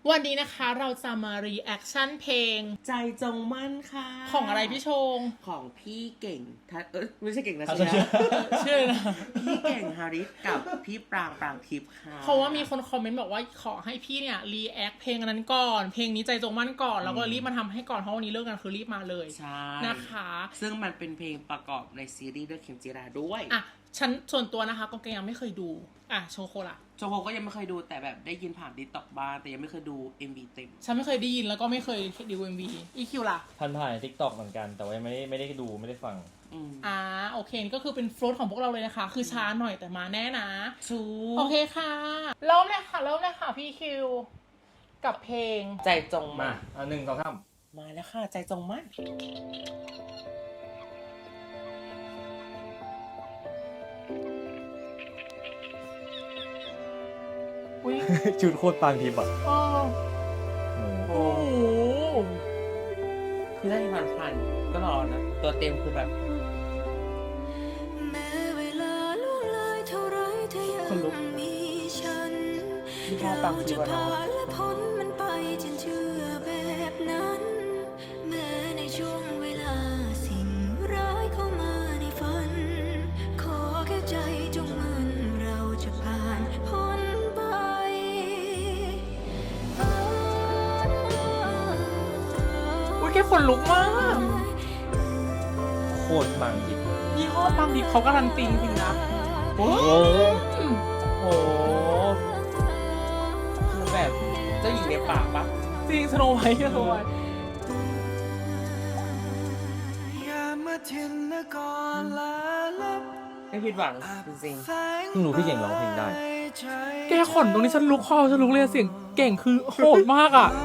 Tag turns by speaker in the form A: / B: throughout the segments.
A: วันนี้นะคะเราจะมารีแอคชั่นเพลง
B: ใจจงมั่นค่ะ
A: ของอะไรพี่ชง
B: ของพี่เก่งไม่ใช่เก่งนะ
A: ชื่อนะ
B: พี่เก่งฮาริสกับพี่ปรางทิพย์ค่ะ
A: เพราะว่ามีคนคอมเมนต์บอกว่าขอให้พี่เนี่ยรีแอคเพลงนั้นก่อนเพลงนี้ใจจงมั่นก่อนแล้วก็รีบมาทำให้ก่อนเพราะวันนี้เลิกกันคือรีบมาเลย
B: ใช่
A: นะคะ
B: ซึ่งมันเป็นเพลงประกอบในซีรีส์เรื่องเข็มจีราด้วย
A: อ่ะฉันส่วนตัวนะคะก็ยังไม่เคยดูโชโคล่ะ
B: โจโฮก็ยังไม่เคยดูแต่แบบได้ยินผ่านดิสต็อกบ้างแต่ยังไม่เคยดู MV เต็ม
A: ฉันไม่เคยได้ยินแล้วก็ไม่เคยดู MV อีคิวล่ะ
C: ผ่านทิกตอกเหมือนกันแต่ว่าไม่ได้ดูไม่ได้ฟัง
A: โอเคนี่ก็คือเป็นฟลุตของพวกเราเลยนะคะคือช้าหน่อยแต่มาแน่นะโอเคค่ะเริ่มเลยค่ะพี่คิวกับเพลง
B: ใจจงมั่น
C: 1 2 3
B: มาแล้วค่ะใจจงมั่น
C: ชุดโคตรปางทิพย์อ่ะ
A: โอ้โห
B: คือได้ผ่านก็รอนะตัวเต็มคือแบบคนลุกที่พ่อปังทีวันน้อง
A: แค่คนลุกมาก
C: โคตรปางทิพย์
A: ยี่ห้อปังดิเขาการันตีจริงนะ
C: โอ้
B: โหคือแบบเจ้าหญิงในป่าปะ
A: จริงสโนไวท์
B: ไม่ผิดหวังจริง
C: เพิ่งรู้พี่เก่งร้องเพลงได้
A: แกขนตรงนี้ฉันลุกเลยเสียงเก่งคือโหดมากอ่ะ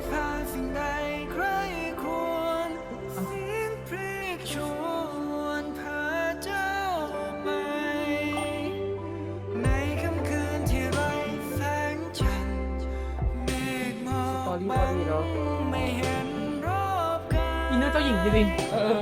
B: ตอรี่เนาะ
A: อินเนอร์เจ้าหญิงจริง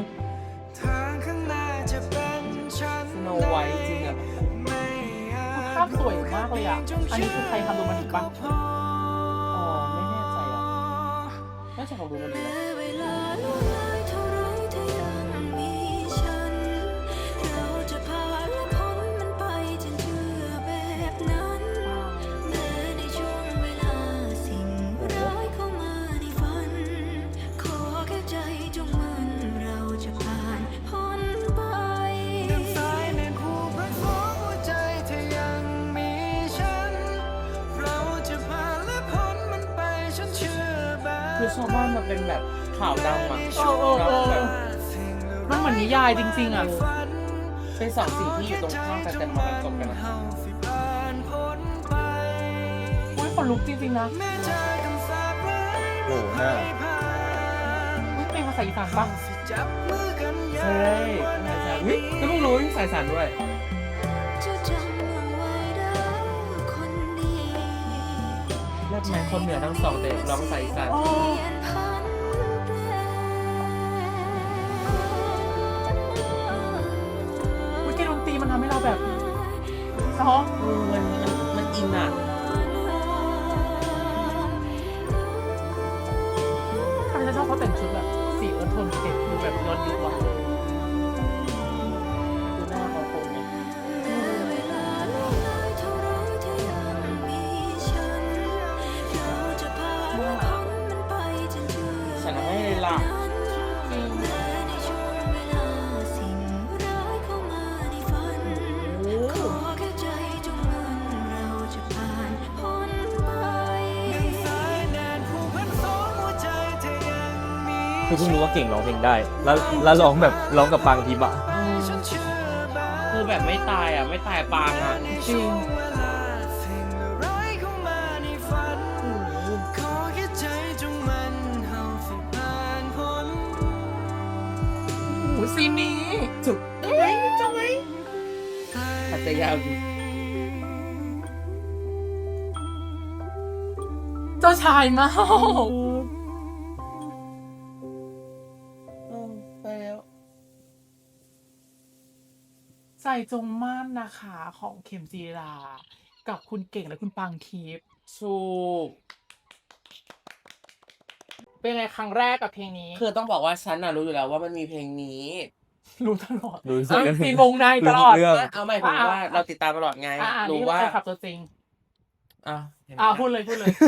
B: สโนไวท์จริงอ่ะ
A: ภาพสวยมากเลยอ่ะอันนี้คือใครทำดูมันอีกปะ
B: อ๋อไม่แน่ใจอ่ะน่าจะของดูมันดีนะคือชาวบ้านมันเป็นแบบข่าวดังอ่ะ
A: มันเหมือนนิยายจริงๆอ่ะ
B: เป็นสองสิ่งที่อยู่ตรงข้ามกันแต่มาบรรจบกันนะ
A: อุ้ยขนลุกจริงๆนะ
C: โอ้หน้า
A: อุ้ยเป็นภาษาอีสานปะ
B: ใช่วิก็ต้องรู้สายสารด้วยเลือดแมนคนเหนือทั้งสองแต่ร้องสายสาร
A: มันทำให้เราแบบเนาะ
B: มันอินอ่ะ
A: ทำไมฉันชอบเขาแต่งชุดแบบสีเอิร์ธโทนเก่งคือแบบย้อนยุคว่ะ
B: ดูหน้าเขาคงเนี่ยฉันให้เลยล่ะ
C: คือเพิ่งรู้ว่าเก่งร้องเพลงได้แล้วร้องกับปางทิพย์อ่ะ
B: คือแบบไม่ตายอ่ะไม่ตายปางอ่ะ
A: จริงโอ้ซีนนี้
B: จุกจังไหมอาจจะยาวดี
A: เจ้าชายมาก
B: ไปแล้ว
A: ใจจงม่านนะคะของเข็มจีรากับคุณเก่งและคุณปางทิพย์
B: ถูก
A: เป็นไงครั้งแรกกับเพลงนี้
B: คือต้องบอกว่าฉันน่ะรู้อยู่แล้วว่ามันมีเพลงนี้
A: รู้ตลอด
C: รู้สึก
A: มีวงในตลอด
C: เรื่อง
B: เอาไม่ถึงว่าเราติดตามตลอดไง รู้
A: นี่
B: ว่า
A: แฟนคลับตัวจริง
B: เห็นไหม
A: พูดเลย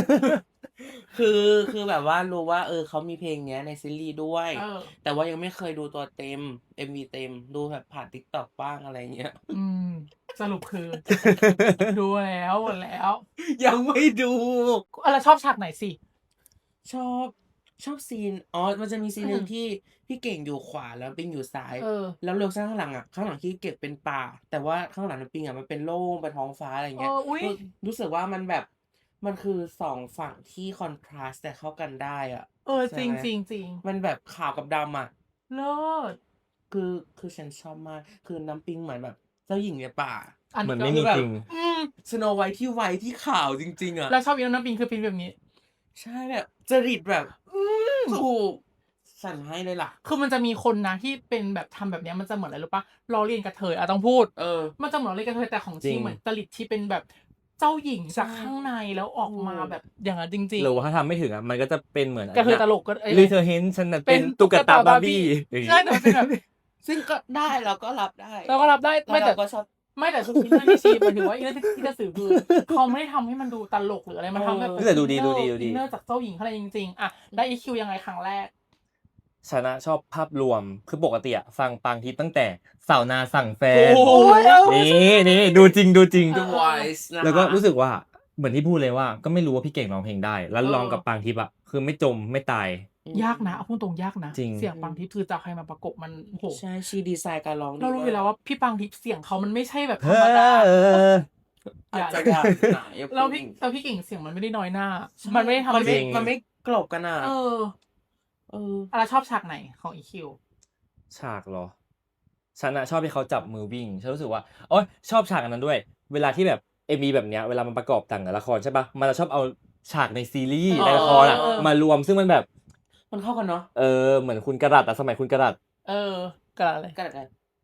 B: คือแบบว่ารู้ว่าเขามีเพลงเนี้ยในซีรีส์ด้วย แต่ว่ายังไม่เคยดูตัวเต็ม MV เต็มดูแบบผ่าน TikTok บ้างอะไรเงี้ย
A: สรุปคือ ดูแล้วหมดแล้ว
B: ยังไม่ดู
A: แล้วชอบฉากไหนสิ
B: ชอบซีนมันจะมีซีนหนึ่งที่พี่เก่งอยู่ขวาแล้วปิงอยู่ซ้าย แล้วเลือกข้างหลังข้างหลังที่เก็บเป็นป่า แต่ว่าข้างหลังปิงมันเป็นโล่งเป็นท้องฟ้าอะไรเงี้ย รู้สึกว่ามันแบบมันคือสองฝั่งที่คอนทราสต์แต่เข้ากันได้อ่ะ
A: จริงจริงจริง
B: มันแบบขาวกับดำอ่ะ
A: เลิศ
B: คือฉันชอบมาก คือน้ำปิงเหมือนแบบเจ้าหญิงในป่า
C: เหมือนไม่มีจริง
B: สโนไวท์ที่ไวท์ที่ขาวจริงๆอ่ะ
A: แล้วชอบอีน้ำปิงคือปิงแบบนี้
B: ใช่แบบจริตแบบถูกสั่นให้เลยล่ะ
A: คือมันจะมีคนนะที่เป็นแบบทำแบบเนี้ยมันจะเหมือนอะไรรู้ปะล้อเลียนกระเทยต้องพูด มันจะเหมือนล้อเลียนกระเทยแต่ของจริงเหมือนจริตที่เป็นแบบเจ้าหญิงจากข้างในแล้วออกมาแบบอย่างนั้นจริง
C: หรือว่าถ้าทำไม่ถึงมันก็จะเป็นเหมือน
A: ๆกระเทยตลกก็
C: หรือเธอเห็นฉันน่ะเป็นตุ๊กตาบาร์บี้
A: ใช่แต่มันเป็นแบบ
B: ซึ่งก็ได้เราก็รับได้
A: เราก็รับได้
B: ไม่แต่ก็ชอบ
A: ไม่แต่คืออินเนอร์ที่ชีหมายถึงว่าอินเนอร์ที่จะสื่อคือเขาไม่ได้ทำให้มันดูตลกหรืออะไรมันทำแบบ
C: แต่ดูดี
A: อินเนอร์จากเจ้าหญิงอะไรจริงๆได้ EQ ยังไงครั้งแรก
C: ฉันชอบภาพรวมคือปกติฟังปังทิพย์ตั้งแต่สาวนาสั่งแฟนนี่ดูจริง
B: The Voice นะคะ
C: แล้วก็รู้สึกว่าเหมือนที่พูดเลยว่าก็ไม่รู้ว่าพี่เก่งร้องเพลงได้ แล้วร้องกับปังทิพย์คือไม่จมไม่ตาย
A: ยากนะเอาพูดตรงยากนะ
C: จริง
A: เสียงปังทิพย์คือจะใครมาประกบมันโห
B: ใช่ชีดีไซน์การร้องดี
A: เรารู้อยู่แล้วว่าพี่ปังทิพย์เสียงเขามันไม่ใช่แบบธร
C: เฮ้
A: รมดา
B: อาจจะยากหนาอย่า
A: แล้วพี่เก่งเสียงมันไม่ได้น้อยหน้า มันไม่ได้ทำ
B: มันไม่กลบกันอ่ะ
A: อะไรชอบฉากไหนของ EQ
C: ฉากเหรอฉันชอบที่เขาจับมือวิ่งฉันรู้สึกว่าโอ๊ยชอบฉากอันนั้นด้วย เวลาที่แบบMVแบบเนี้ยเวลามันประกอบต่างกับละครใช่ปะมันจะชอบเอาฉากในซีรีส์ในละครมารวมซึ่งมันแบบ
B: มันเข้ากันเนาะ
C: เหมือนคุณกระดัดสมัยคุณกระดัด
A: กระดัดอะไร
B: กระดัดอะไร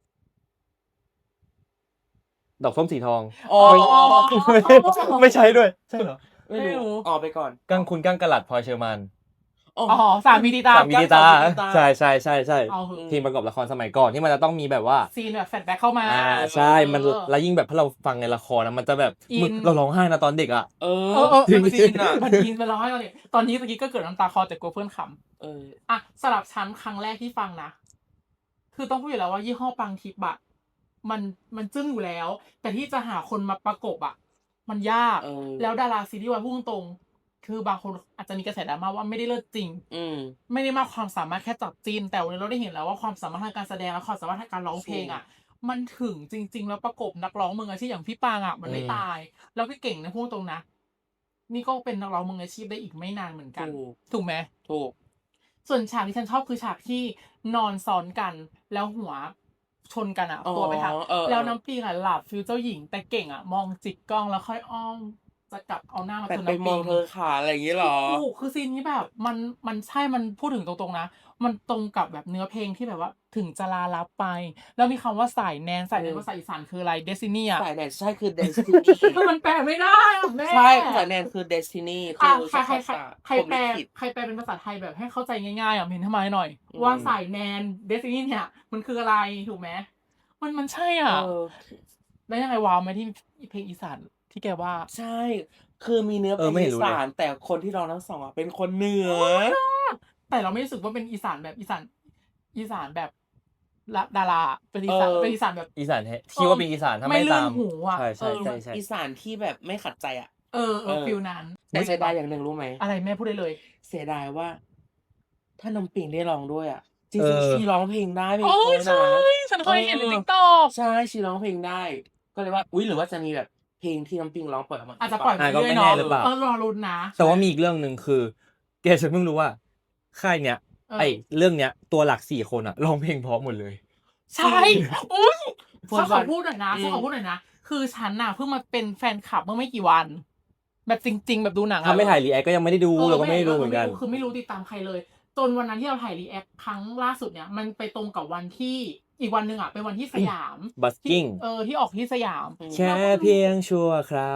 C: ดอกส้มสีทอง
A: ไม่
C: ใช่ด้วยใช่เหรอ
B: ไม่รู้ไปก่อน
C: กั้งคุณกั้งกระดัดพลอยเชอร์มาน
A: สามีดีตา
C: ใช่เพลงประกอบละครสมัยก่อนที่มันจะต้องมีแบบว่า
A: ซีนแบบแฟลชแบ็คเข้ามา
C: ใช่มันแล้วยิ่งแบบถ้าเราฟังในละครมันจะแบบเราร้องไห้นะตอนเด็กอ่ะ
B: มันซีนอ่ะ
A: มันอินไปร้องไห้ตอนนี้เมื่อกี้ก็เกิดน้ำตาคลอแต่กลัวเพื่อนขำสำหรับฉันครั้งแรกที่ฟังนะคือต้องพูดอยู่แล้วว่ายี่ห้อปังทิพย์อะมันจึ้งอยู่แล้วแต่ที่จะหาคนมาประกบอะมันยากแล้วดาราซีรีส์วายพูดตรงคือบางคนอาจจะมีกระแสดราม่าว่าไม่ได้เลิศจริงไม่ได้มากความสามารถแค่จับจีนแต่วันนี้เราได้เห็นแล้วว่าความสามารถทางการแสดงและความสามารถทางการร้องเพลงอ่ะมันถึงจริงๆแล้วประกบนักร้องมืออาชีพอย่างพี่ปางอ่ะมันไม่ตายแล้วพี่เก่งนะพูดตรงนะนี่ก็เป็นนักร้องมืออาชีพได้อีกไม่นานเหมือนกันถูกไหม
B: ถูก
A: ส่วนฉากที่ฉันชอบคือฉากที่นอนซ้อนกันแล้วหัวชนกันอ่ะตัวไปทางแล้วน้ำปิงอ่ะหลับฟิวเจ้าหญิงแต่เก่งอ่ะมองจิกกล้องแล้วค่อยอ้อมจะกลับเอาหน้ามาชนน้ำปิง
B: ไปมองเธอขาอะไรอย่างงี้หรอ
A: คือซีนนี้แบบมันใช่มันพูดถึงตรงๆนะมันตรงกับแบบเนื้อเพลงที่แบบว่าถึงจะลาลับไปแล้วมีคำว่าสายแนนภาษาอีสานคืออะไร Destiny อ่ะ
B: สายแนนใช่คือ Destiny
A: คือมันแปลไม่ได้แม่
B: ใช่สายแนนคือ Destiny คือ
A: ใครแปลเป็นภาษาไทยแบบให้เข้าใจง่ายๆเห็นทำไมหน่อยว่าสายแนน Destiny เนี่ยมันคืออะไรถูกไหมมันใช่อ่ะแล้วยังไงว้าวไหมที่เพลงอีสานที่แกว่า
B: ใช่คือมีเนื้อเพลงอีสานแต่คนที่ร้องทั้งสองเป็นคนเหนือ
A: แต่เราไม่รู้สึกว่าเป็นอีสานแบบอีสานแบบดาราเป็นอีสานแบบ
C: อีสานที่ว่าเป็นอีสานถ้าไม่ตาม
A: หูอ่ะ
C: ใช่
B: อีสานที่แบบไม่ขัดใจอ่ะ
A: ฟิลนั้น
B: แต่เสียดายอย่างหนึ่งรู้ไหม
A: อะไรแม่พูดได้เลย
B: เสียดายว่าถ้าน้ำปิงได้ร้องด้วยอ่ะจริงๆชีร้องเพลงได้เพลง
A: ใช่ฉันเคยเห็นใน TikTok
B: ใช่ชีร้องเพลงได้ก็เลยว่าอุ๊ยหรือว่าจะมีแบบเพลงที่น้ำปิงร้องปล่อยออกมา
A: อาจจะปล่อยไปเรื่อยๆเนาะรอรุ้นนะ
C: แต่ว่ามีอีกเรื่องนึงคือแกฉันเพิ่งรู้ว่าค่ายเนี้ยเรื่องเนี้ยตัวหลัก4คนอ่ะร้องเพลงเพราะหมดเลย
A: ใช่อุ๊ยฉันขอพูดหน่อยนะคือฉันน่ะเพิ่งมาเป็นแฟนคลับเมื่อไม่กี่วันแบบจริงๆแบบดูหนัง
C: ถ้าไม่ถ่ายรีแอคก็ยังไม่ได้ดูเราก็ไม่ได้ดูเหมือนกัน
A: คือไม่รู้ติดตามใครเลยจนวันนั้นที่เราถ่ายรีแอคครั้งล่าสุดเนี่ยมันไปตรงกับวันที่อีกวันนึงอ่ะเป็นวันที่สยาม
C: บัสกิ้ง
A: ที่ออกที่สยาม
C: แค่เพียงชั่วคราว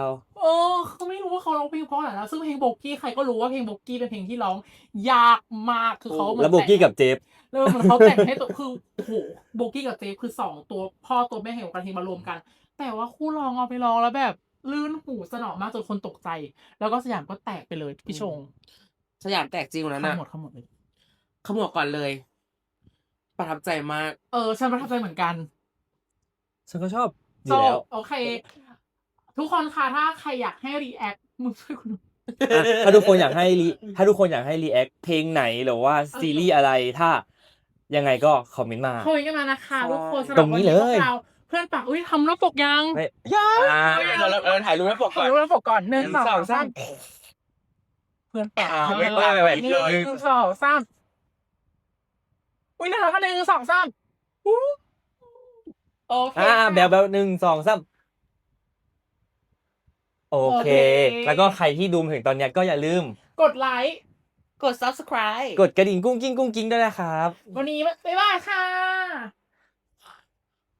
A: เขาไม่รู้ว่าเขาร้องเพลงเพราะอะไรนะซึ่งเพลงโบกี้ใครก็รู้ว่าเพลงโบกี้เป็นเพลงที่ร้องยากมากคือเขาเหมือน
C: แล้วโบกี้กับเจฟ
A: เหมือนเขาแต่งให้ตัวคือโอ้โหโบกี้กับเจฟคือ2ตัวพ่อตัวแม่แห่งวงการเพลงมารวมกัน แต่ว่าคู่ร้องเอาไปร้องแล้วแบบลื่นหูสนอมากจนคนตกใจ แล้วก็สยามก็แตกไปเลยพี่ชง
B: สยามแตกจริงวันนั้น
A: ทั้
B: น่ะ
A: งหมดเลย
B: ขมวดก่อนเลย ประทับใจมาก
A: ฉันประทับใจเหมือนกัน
C: ฉันก็ชอบอ
A: โซ
C: ยู่แล้ว
A: โอเค ทุกคนค่ะถ้าใครอยากให้รีแอคมึงช่วยคุณดู
C: ถ้าทุกคนอยากให้รีแอคเพลงไหนหรือว่าซีรีส์อะไรถ้ายังไงก็คอมเมนต์มา
A: คุยกันมานะคะทุกคนสำห
C: ต
A: รั
C: ร
A: บ
C: ง
A: วัน
C: นี้
A: นี้
C: เล
A: พวย กเราเพื่อนปากทำหน้าปกยัง
C: ไม่
A: ยัง
B: เราถ่ายรูปให้ปก
A: ข
B: ก่
A: อ
B: อน
A: รู้หน้าปกก่อน1
B: 1 2
A: 2 3เพื่อนปาก
B: ไม่
A: 1 2 3อุ้ยน่ารักกัน1 2 3โอเค
C: แบล1 2 3โอเค แล้วก็ใครที่ดูมาถึงตอนเนี้ยก็อย่าลืม
A: กดไลค์
B: กด subscribe
C: กดกระดิ่งกุ้งกิ้งด้วยนะครับ
A: วันนี้บ๊ายบายค่ะ